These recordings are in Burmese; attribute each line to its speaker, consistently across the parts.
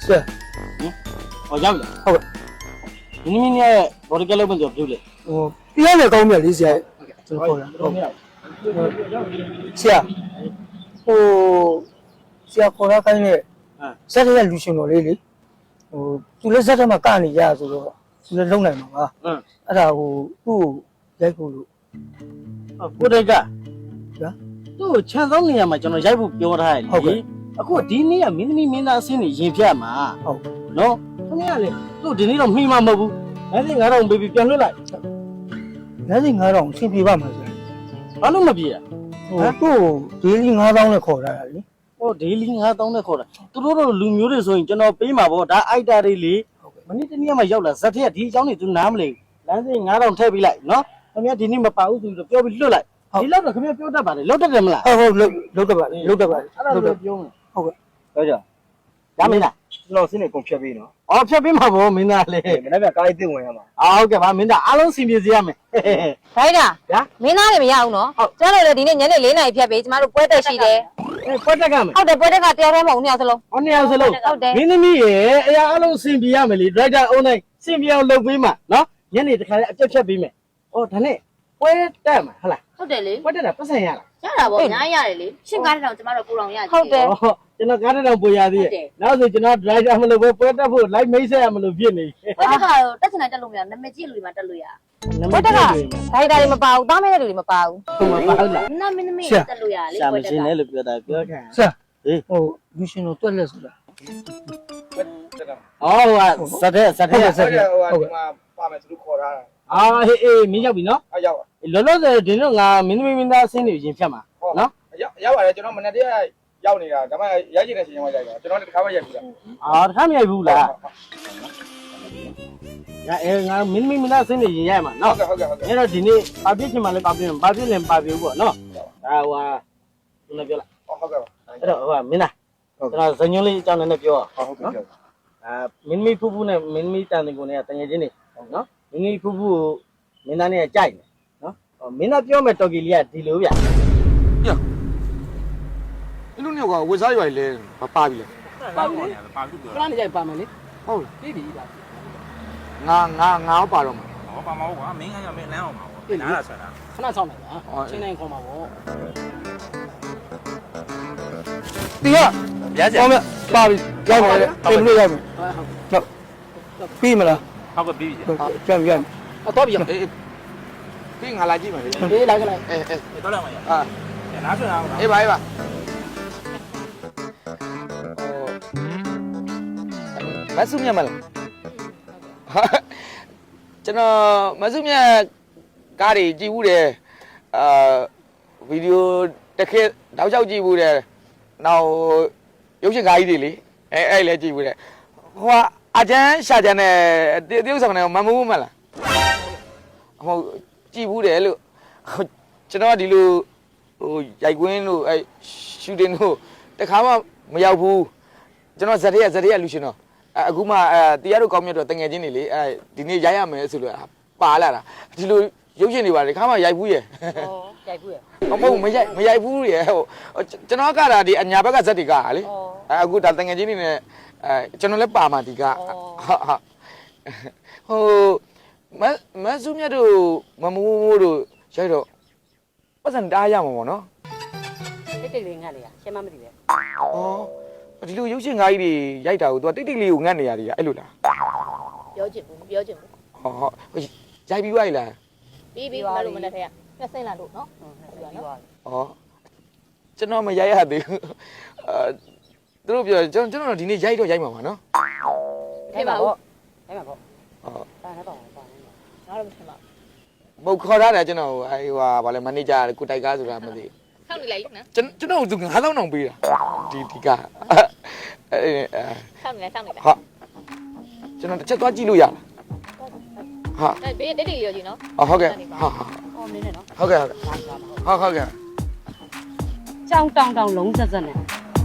Speaker 1: 是，
Speaker 2: 我要不了。
Speaker 1: 好的，
Speaker 2: 你明年我这个老板就不了。
Speaker 1: 我第二个高面理解，真好的。是啊，我是啊，后来看呢，啥子旅行罗里哩，除了啥子嘛干你家做咯，除了弄来嘛啊，那我来过咯。
Speaker 2: 我这个，
Speaker 1: 呀，
Speaker 2: 都前3年嘛，叫那也不表态哩。အခုဒီနေ့ကမင်းသမီးမင်းသားအဆင်းနေရင်ဖြတ်မှာဟုတ်နော်ခင်ဗျားလေသူ့ဒီနေ့တော့မှီမှာမဟုတ်ဘူး9500ပေးပြီးပြန်လွှတ်လိုက်
Speaker 1: 9500ဆင်ပြေပါမှာဆို
Speaker 2: ဘာလို့မပြေอ่ะ
Speaker 1: ဒေးလီ9000နဲ့ခေါ်ထားတာလေ
Speaker 2: ဟိုဒေးလီ9000နဲ့ခေါ်တာသူတို့တို့လူမျိုးတွေဆိုရင်ကျွန်တော်ပေးမှာပေါ့ဒါအိုက်တာတွေလေမနေ့တနေ့မှရောက်လာဇက်ထက်ဒီအကြောင်းတွေသူနားမလဲလမ်းစိ9000ထည့်ပေးလိုက်နော်ခင်ဗျားဒီနေ့မပါဘူးဆိုတော့ပြောပြီးလွှတ်လိုက်ဒီလောက်တော့ခင်ဗျားပြောတတ်ပါလေလောက်တတ်တယ်မလား
Speaker 1: ဟုတ်လုတ်တတ်ပါလေလုတ်တတ်ပါလေ
Speaker 2: အဲ့ဒါပြောမယ်
Speaker 1: ဟုတ်ကဲ့
Speaker 2: ပြောကြရမင်းလား
Speaker 3: ကျွန်တော်စင်းနေကုန်ဖြတ်ပေးနော်
Speaker 2: အော်ဖြတ်ပေးမှာဗောမင်းသားလေ
Speaker 3: မနေ့ကကားလေးတင်ဝင်ရမှာ
Speaker 2: ဟုတ်ကဲ့ပါမင်းသားအားလုံးစီပြေစီရမယ်
Speaker 4: ခိုင်းတာမင်းသားတွေမရအောင်နော်ကျန်တော်လည်းဒီနေ့ညနေ4 နာရီဖြတ်ပေးကျမတို့ပွဲတက်ရှိတယ်
Speaker 2: ပွဲတက်ကမယ်
Speaker 4: ဟုတ်တယ်ပွဲတက်ကတယောက်တည်းမဟုတ်2ယောက်စလုံး
Speaker 2: ဟော2ယောက်စလုံးမင်းသမီးရေအရာအားလုံးစီပြေရမယ်လေဒရိုက်တာအုံးတိုင်းစီပြေအောင်လုပ်ပေးမှာနော်ညနေတခါလေးအပြတ်ဖြတ်ပေးမယ်အော်ဒါနဲ့ပွဲတက်မှာဟုတ်လား
Speaker 5: ဟုတ်တယ်လေ
Speaker 2: ပွဲတက်တာပတ်စံရလား
Speaker 5: ရတာပေါ့အများကြီးရတယ်လေရှင်းကားတဲ့တောင်ကျမတို့ကိုတော်ရကြည့်
Speaker 4: ဟုတ်တယ်
Speaker 2: ကျွန်တော်ကားတောင်ပို့ရသေးတယ်နောက်ဆိုကျွန်တော်ဒရိုက်တာမလို့ပွဲတက်ဖို့လိုက်မိတ်ဆက်ရမလို့ဖြစ်နေ
Speaker 5: ပွဲတက်ကတော့တက်ချင်တယ်တက်လို့မရနာမည်ကြီးလူတွေမှာတက်လို့ရ
Speaker 4: ပွဲတက်ကဒိုင်တာတွေမပါဘူးသားမဲတဲ့လူတွေမပါဘူး
Speaker 2: ဟုတ်ပါဟုတ်လား
Speaker 5: နာမည်နမည်တက်လို့ရလေ
Speaker 2: ပွဲတက်ကရှာမရှင်လေလို့ပြောတာပြောခံ
Speaker 1: 是လူရှင်တို့တွက်လက်ဆိုတာ
Speaker 2: အော်ဟိုဇက်တဲ့
Speaker 3: ဟုတ်ကဲ့ပါမယ်သူတို့ခေါ်ထားတာ
Speaker 2: အာဟေးမင်းရောက်ပြီနော်
Speaker 3: ရောက်ပါ
Speaker 2: လောလောဆယ်ဒီတော့ငါမင်းသမီးမင်းသားအဆင်းနေရင်ဖြတ်မှာနော်
Speaker 3: ရောက်ပါတယ်ကျွန်တော်မနေ့တည်းရောက်နေတာဒါမှရိုက်ချင်တဲ့ချိန်မှရိုက်တာကျွန်တော်တခါမှရိုက်ဘူးလား
Speaker 2: တခါမရိုက်ဘူးလားငါမင်းသမီးမင်းသားအဆင်းနေရင်ရိုက်မှာနော်
Speaker 3: ဟုတ်ကဲ့
Speaker 2: အဲ့တော့ဒီနေ့ပါပြစ်ချင်မှလည်းပါပြစ်ပါပြစ်လည်းပါပြဘူးပေါ့နော်ဒါဟိုသူလည်းပြောလိုက်
Speaker 3: ဟုတ်ကဲ့ပါ
Speaker 2: အဲ့တော့ဟိုမင်းသားကျွန်တော်ဇညွန်းလေးအကြောင်းနဲ့ပြော
Speaker 3: ဟုတ်ကဲ့
Speaker 2: မင်းသမီးဖူးဖူးနဲ့မင်းသမီးတန်တင်ကိုနဲ့တငယ်ချင်းနေနော်မင်းသမီးဖူးဖူးကိုမင်းသားနဲ့ကြိုက်တယ်နော်မင်းသားပြောမယ်တော်ကီလေးကဒီလိုဗျ
Speaker 3: အဲ့လိုမျိုးကဝက်စားရွာလေမပါပြီလေ
Speaker 2: ပါဘူးလေပါဘူးပြောခဏနေကြပါမယ်လေ
Speaker 3: ဟုတ်
Speaker 2: ပြီပြီပါ
Speaker 3: ငါပါတော့မှာ
Speaker 6: ဟောပါမဟုတ်ကွာမင်းကကြောင့်မင်းလမ်းအောင်ပါဗောနားလာဆွဲတာ
Speaker 2: ခဏဆောင်လိုက်ပါချင်းနိုင်ခေါ်မှာဗော
Speaker 1: ဒီက
Speaker 6: ရစရာ
Speaker 1: ဟောမပါပြီရောက်ပါလေပြင်လို့ရောက်ပြီဟုတ်ပြီးမလား
Speaker 6: ဟုတ်ကဲ့ပြီးပြီ
Speaker 1: ပြန်
Speaker 2: တော့ပြီ
Speaker 3: ပြီးငါလာကြည့်မယ်လေ
Speaker 2: အေးလိုက်လိုက်
Speaker 6: တော့လာမှာရနားဆွဲအောင်
Speaker 3: အေးပါမဆုမြတ်မလားကျွန်တော်မဆုမြတ်ကားတွေကြည့်ဘူးတယ်ဗီဒီယိုတစ်ခေတ်တောက်လျှောက်ကြည့်ဘူးတယ်နောက်ရုပ်ရှင်ကားကြီးတွေလေအဲ့လည်းကြည့်ဘူးတယ်ဟိုအကျန်းရှာကျန်းနဲ့တရုတ်ဆောင်နဲ့မမဘူးမလားဟုတ်ကြည့်ဘူးတယ်လို့ကျွန်တော်ကဒီလိုဟိုရိုက်ကွင်းတို့အဲ့ရှူတင်တို့တခါမှမရောက်ဘူးကျွန်တော်ဇက်ရက်လူရှင်တော့အခုမှတရားတို့ကောင်းမြတ်တော့တငယ်ချင်းတွေလေဒီနေ့ရိုက်ရမယ်ဆိုလို့ပါလာတာဒီလိုရုပ်ရှင်တွေပါလေခါမှရိုက်ဘူးရဲ့
Speaker 4: ရိုက်ဘူးရဲ့
Speaker 3: မရိုက်ဘူးရဲ့ဟိုကျွန်တော်ကတာဒီအညာဘက်ကဇက်တွေကလေအခုဒါတငယ်ချင်းတွေနဲ့ကျွန်တော်လည်းပါမှာဒီကဟိုမဆုမြတ်တို့မမိုးတို့ရိုက်တော့ပတ်စံတားရမှာပေါ့နော်
Speaker 4: တိတ်လေးငတ်လေရှင်းမမသိပဲ
Speaker 3: ဩဒီလိုရုပ်ရှင်ကားကြီးတွေရိုက်တာကိုသူကတိတ်လေးကိုငတ်နေရတယ်အဲ့လိုလား
Speaker 5: ပြောချင်ဘူး
Speaker 3: ရိုက်ပြီးသွားပြီလား
Speaker 5: ပြီးမလို့မနဲ့ထဲကပြက်စိမ့်လာလို့နော်
Speaker 3: ကျွန်တော်မရိုက်ရသေးဘူးသူတို့ပြောကျွန်တော်ဒီနေ့ရိုက်တော့ရိုက်မှာပါနော်
Speaker 5: ထဲပါဘူး
Speaker 4: ထဲပါပေါ့တာနဲ့ပေါ့ပါနေငါတို့မထင်ပါ
Speaker 3: ဘူးပုတ်ခေါ်ထားတယ်ကျွန်တော်ဟိုဟာဗာလဲမန်နေဂျာကိုတိုက်ကားဆိုတာမသိ
Speaker 5: ဆောက်နေလိုက်နော်
Speaker 3: ကျွန်တော်သူ9000တောင်ပေးတာဒီကား
Speaker 5: ဆောက်နေလိုက်
Speaker 3: ဟုတ်ကျွန်တော်တစ်ချက်သွားကြည့်လို့ရလား
Speaker 5: ဟာဘေးတိတ်ရောကြီးနော်
Speaker 3: ဟုတ်ကဲ့
Speaker 5: အော်နင်းနေနော်
Speaker 3: ဟုတ်ကဲ့ဟုတ်ကဲ့
Speaker 4: ကြောင်တောင်လုံးဆက်နဲ့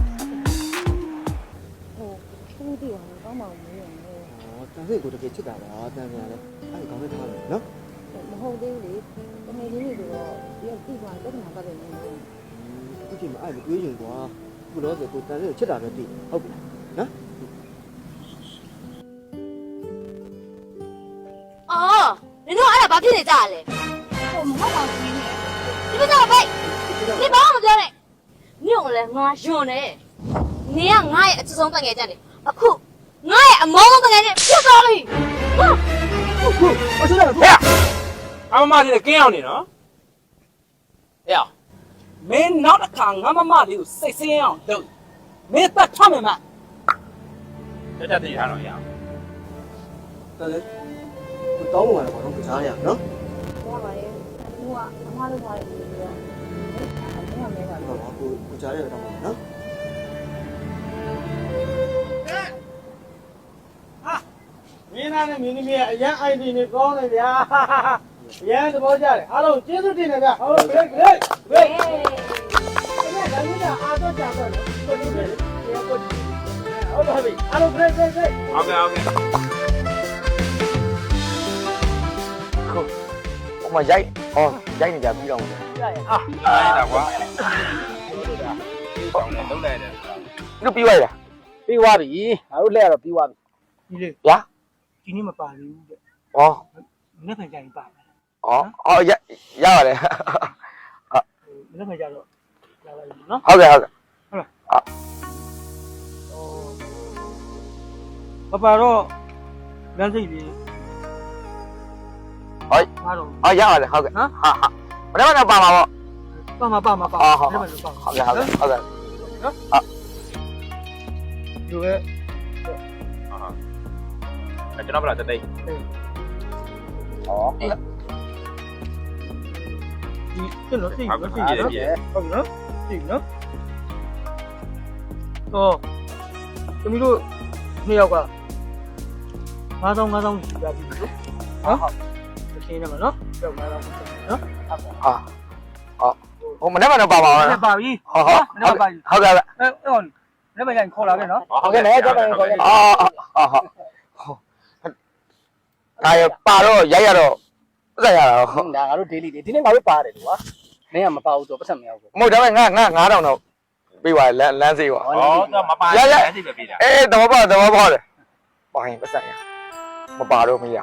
Speaker 1: သူ့တီအောင်ကောင်းပါဦးမေးရမယ်တန်စိတ်ကိုတကယ်ချစ်တာပါတန်ပြန်လဲအဲ့ဒီကောင်းတဲ့ထားတယ်နော်
Speaker 7: မဟုတ်သေးဘူးလေတကယ်ကြီးနေဆိုတော့ဒီကတိသွားတက်မှာပါတယ်နေတယ်
Speaker 1: အခုချိန်မှာအဲ့မတွေးရင်ကွာခုတော့ဆိုကိုတန်စိတ်ကိုချစ်တာပဲတိဟုတ်ပြီနော်
Speaker 4: ဘာဖြစ်နေကြလဲ
Speaker 7: ဟိုမဟုတ်ပါဘူးနင်း
Speaker 4: ဒီမကြောက်ပိတ်ဒီဘာမှမပြောနဲ့မြို့လည်းငါယွန်းနေနင်ကငါရဲ့အချစ်ဆုံးတငယ်ချင်းနေအခုငါရဲ့အမောဆုံးတငယ်ချင်းဖြစ်သွားပြီဟာ
Speaker 6: 我说的对呀，俺妈的跟上你呢。哎呀，没拿着看，俺妈的有谁样都，没得他们嘛。这家对啥东西啊？
Speaker 2: တော်တယ်ကိုတောင်းလို့ရတယ်ဘာလို့ကစားရအောင်နော်
Speaker 7: ရပါတယ်ဟိုကအမားတို့ထားတယ်ပြီးတော့အဲ့ဒါမဲပါလို့
Speaker 2: ကိုကြားရတော့နော်မင်းသားနဲ့မင်းသမီးအရန် ID နဲ့ကောင်းတယ်ဗျာအရန်သဘောကျတယ်အားလုံးကျေးဇူးတင်တယ်ဗျာဟုတ် great great great ဒါကြီးကအားတော့ကြတော့ကိုကြီးတယ်ဟုတ်ပါပြီအားလုံး great great great
Speaker 6: OK OK。
Speaker 3: ဟိုမှာရိုက်ဟောရိုက်နေကြပြီးတော့
Speaker 6: 哎，大瓜。都来的。
Speaker 3: သူပြီးသွားရ
Speaker 2: ပြီးသွားပြီငါတို့လက်ရတော့ပြီးသွားပြီ
Speaker 1: ဒီလေ
Speaker 3: ဗျာ
Speaker 1: ဒီနေ့မပါသေးဘူးတဲ့
Speaker 3: ဟော
Speaker 1: မနေ့ကကြရင်ပါမယ်
Speaker 3: အော်ရပါတယ်
Speaker 1: မနေ့ကကြတော့လာလိုက်နော်
Speaker 3: ဟုတ်ကဲ့ဟုတ်ကဲ့
Speaker 1: ပပတော့လမ်းစိတ်လေး
Speaker 3: ဟော
Speaker 1: အားတော့
Speaker 3: အော်ရပါတယ်ဟုတ်ကဲ့ဟာဟာမနေ့ကပါမှာပေါ့
Speaker 1: ပါမ
Speaker 3: ဟုတ်
Speaker 1: နေ့
Speaker 3: ဟုတ်
Speaker 1: ကလည်းပါ
Speaker 3: ဟုတ်ကဲ့ဟုတ်ကဲ့ဟုတ်ကဲ့
Speaker 1: ဒီပဲ
Speaker 6: ကျွန်တော်ဘယ်လာတက်တိတ်
Speaker 3: ဟော
Speaker 1: ဒီကျွန်တော်သိပြီသိပြီဟုတ်နော်သိပြီနော်တော့သမီးတို့နှစ်ယောက်က9000ပြပြီလို့နော်ဟုတ်ရှင်းနေမှာနော်ကြောက်9000နော်
Speaker 3: ဟာဟိုမနေ့ကတော့ပါပါ
Speaker 1: နဲ့ပါပြီ
Speaker 3: ဟောဟောဟုတ်ကဲ့ဟုတ်ကဲ့
Speaker 1: အဲ့လည်းမရင်ခေါ်လာခဲ့နော်
Speaker 3: ဟုတ်ကဲ့လည်းတော့ခေါ်ခဲ့အော်ဒါရပါတော့ရိုက်ရတော့ပတ်ရတာ
Speaker 2: ဟုတ်ဒါငါတို့ daily တွေဒီနေ့ငါတို့ပါတယ်ကွာမင်းကမပါဘူးဆိုပတ်သက်မရဘူး
Speaker 3: မဟုတ်ဒါပေမဲ့ငါ9000တော့ပေးပါလမ်းစေးပါ
Speaker 6: 哦，那没办法，赶紧别别的。
Speaker 3: အေးတော့ပေါ့တယ်ပါရင်ပတ်ဆိုင်ရမပါတော့မရ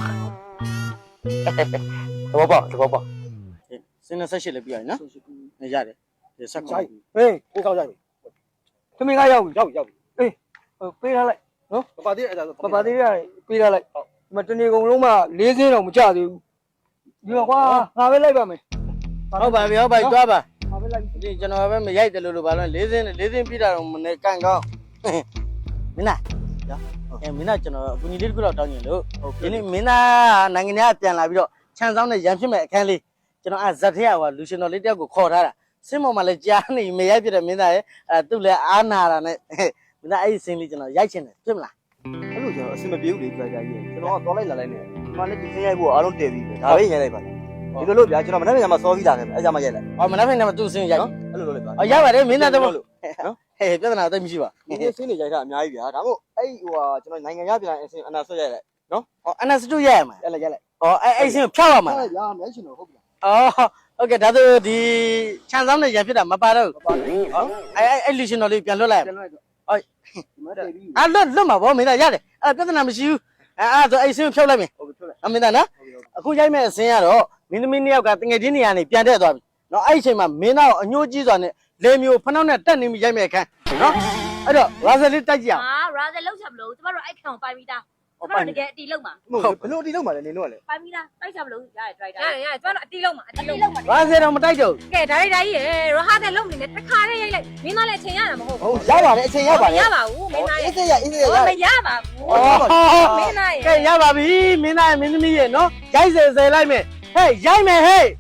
Speaker 3: တော့ပေါ့
Speaker 2: စင်း28လည်းပြီးရတယ်နော်ရတယ်ဆက်ကောက်
Speaker 1: ဟေးကိုကောက်ကြပြီသမီးကရောက်ပြီအေးပေးထားလိုက်နော်
Speaker 2: ပပသေးအဲ့ဒါ
Speaker 1: ပပသေးရပေးထားလိုက်ဒီမှာတနေ့ကုန်လုံးမှ4စင်းတော့မကြသေးဘူးဒီမှာကွာငါပဲလိုက်ပါမယ်
Speaker 2: ဟုတ်ပါပြီဟုတ်ပါပြီတွားပါ
Speaker 1: ငါပဲလိုက်
Speaker 2: ဒီကျွန်တော်ပဲမရိုက်တယ်လို့ဘာလို့၄စင်းပြတာတော့မနေကန်ကောင်းမင်းလားမင်းကကျွန်တော်အကူကြီးလေးတစ်ခုတော့တောင်းညင်လို့ဒီနေ့မင်းသားနိုင်ငံသားပြန်လာပြီးတော့ခြံဆောင်နဲ့ရန်ဖြစ်မဲ့အခန်းလေးကျွန်တော်ဇက်ထဲကလူရှင်တော်လေးတယောက်ကိုခေါ်ထားတာစင်းပေါ်မှာလည်းကြားနေမရိုက်ပြတဲ့မင်းသားရဲ့သူ့လည်းအားနာတာနဲ့မင်းသားအဲ့ဒီစင်းလေးကျွန်တော်ရိုက်ချင်တယ်ဖြစ်မလား
Speaker 8: အဲ့လိုကျွန်တော်အဆင်မပြေဘူးလေကြာကြာကြီးကျွန်တော်ကသွားလိုက်လာလိုက်နေဒီမှာလည်းဒီစင်းရိုက်ဖို့အားလုံးတည်ပြီးပဲဒါပဲရိုက်လိုက်ပါဒီလိုလို့ဗျာကျွန်တော်မနေ့ကမှစောပြီးတာခဲ့အဲ့ကြမှာရိုက်လိုက်
Speaker 2: ဟောမနေ့ကမှသူ့စင်းရိုက်
Speaker 8: အဲ့လိုလုပ်လိုက်ပါ
Speaker 2: ရပါတယ်မင်းသားတော့လို့နော်ဟဲ့ပြဿနာတော့မရှိပါ
Speaker 8: ဒီစင်းတွေရိုက်တာအများကြီးဗျာဒါမို့အဲ့ဟိုဟာကျွန်တော်နိုင်ငံရပြန်အဆင်အနာဆွတ်ရိုက်လိုက်နော်
Speaker 2: ဟောအနာစတူရိုက်ရမှာ
Speaker 8: အဲ့လိုက်ရိုက်လိုက်
Speaker 2: ဟောအဲ့စင်းဖြောက်ရမှာ
Speaker 8: အဲ့ဗျာမဲရှင်တော့ဟုတ်ပြီ
Speaker 2: အော်ဟုတ်ကဲ့ဒါဆိုဒီခြံဆောင်နဲ့ရန်ဖြစ်တာမပါတော့ဘူးအဲ့လူရှင်တော်လေးပြန်လွတ်လိုက်
Speaker 8: ပြန်လိုက်တော့
Speaker 2: ဟုတ်
Speaker 8: ဒီမှာတည်ပြီး
Speaker 2: လွတ်မှာဗောမင်းသားရတယ်အဲ့ပြဿနာမရှိဘူးအဲ့ဆိုအဲ့စင်းဖြောက်လိုက်မယ်
Speaker 8: ဟုတ်ပြီဖြုတ်လိုက်
Speaker 2: အမင်းသားနော်အခုရိုက်မဲ့အစင်းကတော့မင်းသမီးနှစ်ယောက်ကတငယ်ချင်းနေရာနေပြန်တက်သွားပြီနော်အဲ့ဒီအချိန်မှာမင်းသားကိုအညှိုးကြီးစွာနဲ့လေမျိုးဖနှောက်နဲ့တက်နေမိရိုက်မဲ့အခန်းနော်အဲ့တော့ရာဇယ်လေးတိုက်ကြည့်အောင်
Speaker 4: ဟာရာဇယ်လောက်ချမလို့ကျမတို့အဲ့ခံကိုပိုင်ပြီးသားကျမတို့တကယ်အတီလုံးမှာ
Speaker 8: ဟုတ်ဘလို့အတီလုံးပါလဲနေလို့ကလေ
Speaker 4: ပိုင်ပြီးသားတိုက်ချမလို့ရတယ်ဒရိုက်တာရတယ်ကျမတို့အတီလုံးမှာအတီလုံးမှာ
Speaker 2: ရာဇယ်တော့မတိုက်တော့
Speaker 4: ကဲဒါရီဒါကြီးရေရဟာတဲ့လုံးနေနဲ့တစ်ခါတည်းရိုက်လိုက်မင်းသားလည်းအချိန်ရတာမဟုတ်
Speaker 8: ဟုတ်ရပါတယ်အချိန်ရပါတယ်
Speaker 4: ရပါဘူးမင်းသား
Speaker 8: အေး
Speaker 4: ရဲ့
Speaker 8: စေးရအေးစေးရ
Speaker 4: မရပါဘူးမင်းသားရဲ့
Speaker 2: ကဲရပါပြီမင်းသားရဲ့မင်းသမီးရဲ့နော်ရိုက်စေလိုက်မယ်ဟဲ့ရိုက်မယ်ဟဲ့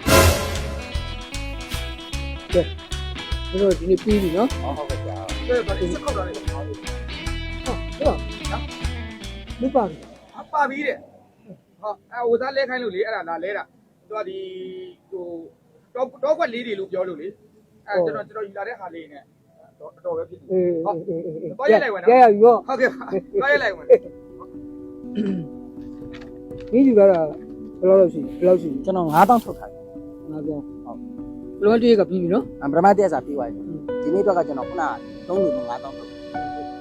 Speaker 1: တို့ဒီနေ့ပြီးပြီနော်
Speaker 8: ဟုတ်ကဲ့ဗျာ
Speaker 1: မပါဘူး
Speaker 9: ပါပြီတဲ့ဟောဟိုသားလဲခိုင်းလို့လေအဲ့ဒါလာလဲတာသူကဒီဟိုတော့ကွက်လေးတွေလို့ပြောလို့လေအဲ့ကျွန်တော်ယူလာတဲ့ဟာလေးနဲ့တော့ပဲဖြစ်နေ
Speaker 1: အေး
Speaker 9: တော့ရိုက်လိုက်ဝင်နော်
Speaker 1: ရရပြီပေါ့
Speaker 9: ဟုတ်ကဲ့တော့ရိုက်လိုက်ဝင်
Speaker 1: ဒီယူလာတာဘယ်လောက်ရှိ
Speaker 2: ကျွန်တော်9000ထုတ်ထားတယ်
Speaker 1: ငါပြောဟုတ်ဘလုံးတည်းကပြီးပြီနော်
Speaker 2: ပထမတက်စားပြီးသွားပြီဒီနေ့တော့ကကျွန်တော်ခုန3လူ9000ထုတ်
Speaker 1: ဒီ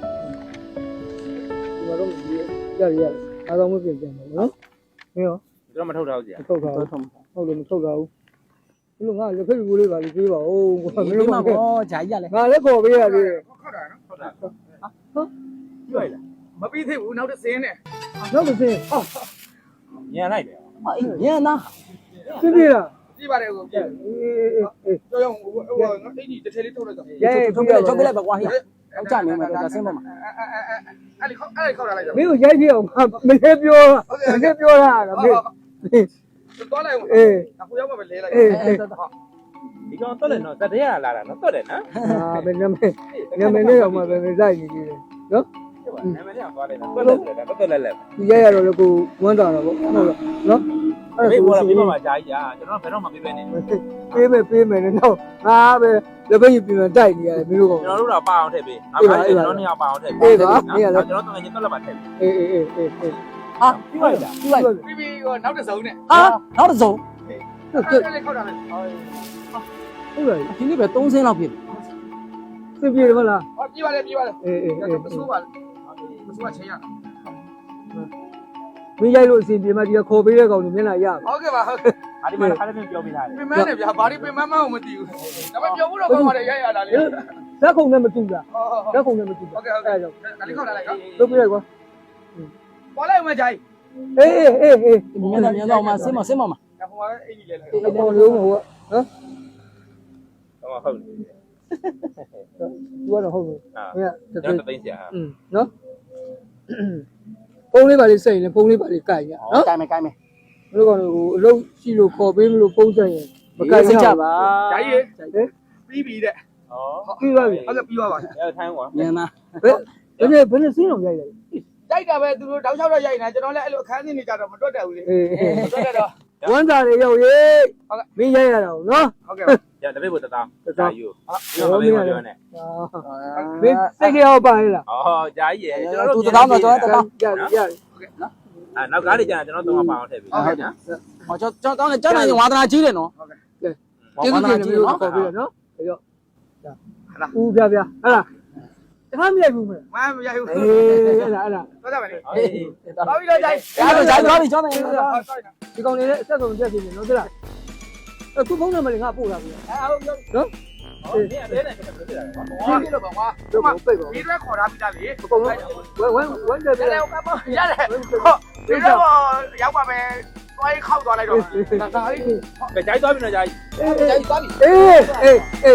Speaker 1: မှာတော့ရအားလုံးမပြင်ပြန်ဘူးနော်မင်းရော
Speaker 6: ကျွန်တော်မထုတ်တော့ကြာ
Speaker 1: ထုတ်တာဟုတ်လို့မထုတ်တာဘူးဘလို့ငါလက်ဖက်ဘူးလေးပါလေးပြေးပါဦးကွာမင်းတို့က
Speaker 2: ဂျာကြီးရလေ
Speaker 1: ငါလည်းခေါ်ပေးရသေးတယ်
Speaker 9: ခောက်တာနော်ခောက်တာ
Speaker 6: ကြွရလား
Speaker 9: မပြီးသေးဘူးနောက်တစ်စင်းနဲ့
Speaker 1: နောက်တစ်စင်း
Speaker 6: ညံလိုက်တယ်
Speaker 2: ညံနာ
Speaker 1: ပြည့်ပြည့်လား
Speaker 9: ကြည့်ပါတယ်ကိုပြ
Speaker 1: အေး
Speaker 9: ကြောက်ဟိုငါအိတ်ကြီးတစ်ထည်လေးထုတ်လိုက်တော့
Speaker 1: ရဲ
Speaker 2: ထုတ်ပြလိုက်ပါကွာဟိအောင်ကြနေမှာဒါဆင်းပါမှာ
Speaker 9: အဲ့ဒီခောက်တာလိုက်တော့
Speaker 1: မင်းကိုရိုက်ပြအောင်မင်းပြောမင်းပြောတာမင်း
Speaker 9: သွားလိုက်ဦးအေးအခုရောက်မှပဲလဲလိုက်
Speaker 1: အေး
Speaker 6: ဒီကောင်တော့လည်းနော်တတရားလာတာနော်တော့တယ်နော်
Speaker 1: အာမင်းနမနဲ့တော့မှပဲမဆိုင်နေသေးတယ်နော်
Speaker 6: နာမည်လေးသွားတယ်နော်တော့လဲလဲ
Speaker 1: ဒီရရတော့လေကိုဝမ်းတာတော့ဟုတ်လားနော်
Speaker 6: မေးပေါ်လာပြီးမှကြာကြီးကြာကျွန်တော်ဘယ်တော့မှပြေးပဲနေ
Speaker 1: ပေးမယ်နော်ငါပဲလက်ဖက်ယူပြင်တိုက်နေရတယ်မင်းတို့က
Speaker 6: ကျွန်တော်တို့တော့ပါအောင်ထည့်ပေးကျွန်တော်နှစ်ယောက်ပါအောင်ထည့်ပေးကျွန်တော်တကယ်ချင်းတော့လက်ပါထည့်ပေး
Speaker 1: အေး
Speaker 2: ဟာပြီးလိုက်လားပြီးလိုက်
Speaker 9: ပြီးနောက်တစ်စုံနဲ့
Speaker 2: ဟာနောက်တစ်စုံ
Speaker 9: အဲ့ခောက်တာလိုက်
Speaker 1: ဟုတ်လား
Speaker 2: ဒီနေ့ပဲ3ဆင်းလောက်ဖြစ်
Speaker 1: ပြည့်ပြည့်မလား
Speaker 9: ဟောပြေးပါလေပြေးပါလေ
Speaker 1: အေး
Speaker 9: မဆိုးပါမဆိုးချင်းရ
Speaker 1: မင်းရိုက်လို့အစီပြေမှဒီခေါ်ပေးတဲ့ကောင်ကြီးမျက်နှာရ
Speaker 9: ဟုတ်ကဲ့ပါဟုတ်ကဲ့
Speaker 6: အားဒီမှာခါလေးပြောပေးထားတယ်
Speaker 9: ပင်မနဲ့ဗျာဘာဒီပင်မမအောင်မသိဘူးဒါပေမဲ့ပြောဖို့တော့ကောင်းပါတယ်ရရတာလေ
Speaker 1: လက်ခုံနဲ့မတူတာ
Speaker 9: ဟုတ်
Speaker 1: လက်ခုံနဲ့မတူတာ
Speaker 9: ကဲ့ဟုတ်ကဲ့ဒါလေးခောက်တာလိုက်နော်
Speaker 1: လုပ်ပြလိုက်ကွာ
Speaker 9: ပေါ်လိုက်ဦးမကြိုင်
Speaker 1: အေး
Speaker 2: မြန်တော့မှဆင်းမမှာ
Speaker 9: ဒါဟိုကအင်ကြီးလဲ
Speaker 1: အပေါ်လုံးဟိုနော်
Speaker 6: တော့ဟုတ်တယ်
Speaker 1: သူကတော့ဟုတ်တယ်
Speaker 6: ဟာ
Speaker 1: မင်းက
Speaker 6: ကျွန်တော်သိစရာ
Speaker 1: နော်ဖုန်းလေးပါလေးစိတ်ရင်ဖုန်းလေးပါလေးကြိုက်ရနော်
Speaker 2: ကိုင်းမယ်ကိုင်းမယ်
Speaker 1: ဘယ်လိုကောင်ဟိုအလုပ်ရှိလို့ခေါ်ပေးမလို့ဖုန်းဆက်ရင်မကြိုက်ကြပါ
Speaker 9: ကြိုင်ရေပြီးပြီတဲ့
Speaker 6: ဩ
Speaker 1: ပြီးပါပြီ
Speaker 9: ဟုတ်ကဲ့ပြီးပါပါ
Speaker 6: ရထိုင်းကွာ
Speaker 2: မြန်နာ
Speaker 1: ဘယ်နဲ့စင်းအောင်ရိုက်လိုက်
Speaker 9: ကြိုက်တာပဲသူတို့တောက်လျှောက်တော့ရိုက်နေတာကျွန်တော်လည်းအဲ့လိုအခန်းစင်းနေကြတော့မတွတ်တတ်ဘူးလေ
Speaker 1: အေး
Speaker 9: တွတ်တတ်တော့
Speaker 1: ဝမ်းသာတွေရောက်ရေးမင်းရိုက်ရတာနော်
Speaker 9: ဟုတ်ကဲ့
Speaker 6: ရတပည့်ဘုတသားယူ
Speaker 1: ဟော
Speaker 6: ပြော
Speaker 1: မ
Speaker 6: မ
Speaker 1: င်း
Speaker 6: ပြော
Speaker 1: ရ
Speaker 6: ပြောနဲ့
Speaker 1: မင်းစိတ်ကြောက်ပါလေလား
Speaker 6: ဩဂျာကြီးရကျွန်တော်တို့
Speaker 2: သူတောင်းတော့တော့တောင်း
Speaker 1: ရရ
Speaker 6: အဲနောက်ကားလေးကြာကျွန်တော်တော့ပါအောင်ထည့်ပေးဟုတ်ကဲ့နော်
Speaker 2: ဟောကျွန်တော်ကျောင်းနေဝါသနာကြီးတယ်နော်
Speaker 1: ကျေးဇူးတင်တယ်မျိုးခေါ်ပေးရနော်ဒါကြောဦးပြပြဟဲ့လားတခါမရိုက်ဘူးမလား
Speaker 9: မရိုက်ဘူး
Speaker 1: အေးအဲ့ဒါ
Speaker 9: တော့ကြပါလေ
Speaker 6: အေး
Speaker 9: တော်ပြီတော့ကြိုက်
Speaker 2: သွားပြီကျောင်းနေ
Speaker 1: ဒီကောင်လေးလည်းအဆက်ဆုံးပြတ်နေတယ်နော်သိလားအခုဖုန်းနံပါတ်လေးငါပို့တာပြီနော်
Speaker 6: ဟောဒီအသေးနဲ့ကျွန်တော်ပြောပြတာ
Speaker 9: ဘာဖြစ်လို့ပါကွာ
Speaker 1: တော့ပိတ်ပါ
Speaker 9: ဒီရက်ခေါ်ထားပြီးသားလေ
Speaker 1: အကုန်လုံးဝမ်းတယ်ပြ
Speaker 9: ရတယ်ကပ်ရတယ်ဟုတ်ဒီရက်ရောက်ပါမယ်တွိုင်းခောက်သွားလိုက်တော့ဒါလေး
Speaker 6: ကကြိုက်သွားပြီနော်ဂျာကြီး
Speaker 9: ကြိုက်သွားပြီ
Speaker 1: အေး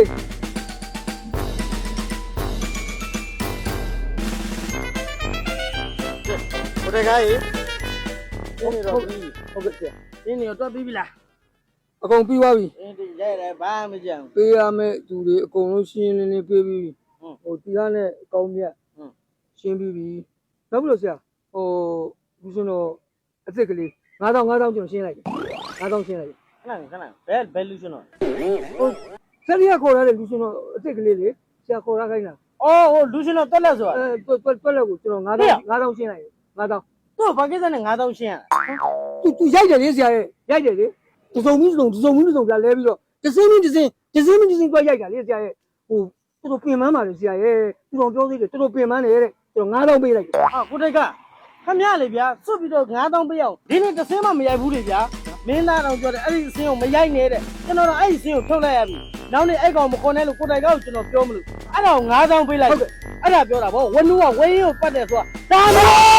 Speaker 2: ဟိုတကားကြီး
Speaker 1: ဟုတ်ကဲ့
Speaker 2: ဒီနေတော့ပြီးပြီလား
Speaker 1: အကုန်ပြီးသွားပြီ
Speaker 2: အင်းဒီရိုက်တယ်ဘာမှမကြံဘူး
Speaker 1: ပေးရမယ့်သူတွေအကုန်လုံးရှင်းလင်းလင်းပေးပြီးဟိုတီကားနဲ့အကောင်းမြတ်ရှင်းပြီးပြီနောက်ပြီးတော့ဆရာဟိုဘူးစင်တော့အစ်စ်ကလေး9000ကျွန်တော်ရှင်းလိုက်တယ်9000ရှင်းလိုက်တယ်
Speaker 2: ခဏဘယ်လူရှင်တော့
Speaker 1: ဟိုဆက်ရခေါ်ရတဲ့လူစင်တော့အစ်စ်ကလေးလေဆရာခေါ်ရခိုင်းတာ
Speaker 2: အော်ဟိုလူရှင်တော့တက်လက်ဆိုတာ
Speaker 1: တွက်လက်ကိုကျွန်တော်9000ရှင်းလိုက်တယ်9000
Speaker 2: သူ့ဘာကိစ္စနဲ့9000ရှင်းရ
Speaker 1: သူရိုက်တယ်လေဆရာရဲ့ရိုက်တယ်လေတစုံပြီးတစုံပြလဲပြီးတော့တစင်းတွက်ရိုက်တာလေဆရာရဲ့ဟိုတော်တော်ပြင်ပန်းပါလေဆရာရဲ့သူတော်ပြောသေးတယ်တော်တော်ပြင်ပန်းတယ်တဲ့ကျွန်တော်9000ပေးလိုက်တယ်
Speaker 2: အာကိုတိုက်ကခမရလေဗျာစွတ်ပြီးတော့9000ပေးအောင်ဒီနေ့တစ်စင်းမှမရိုက်ဘူးလေဗျာမင်းသားတော်ပြောတယ်အဲ့ဒီအစင်းကိုမရိုက်နဲ့တဲ့ကျွန်တော်တော့အဲ့ဒီအစင်းကိုထုတ်လိုက်ရပြီနောက်နေ့အဲ့ကောင်မခေါ်နဲ့လို့ကိုတိုက်ကကျွန်တော်ပြောမလို့အဲ့ဒါကို9000ပေးလိုက်အဲ့ဒါပြောတာဗောဝနူးကဝင်းကိုပတ်တယ်ဆိုတာဒါမ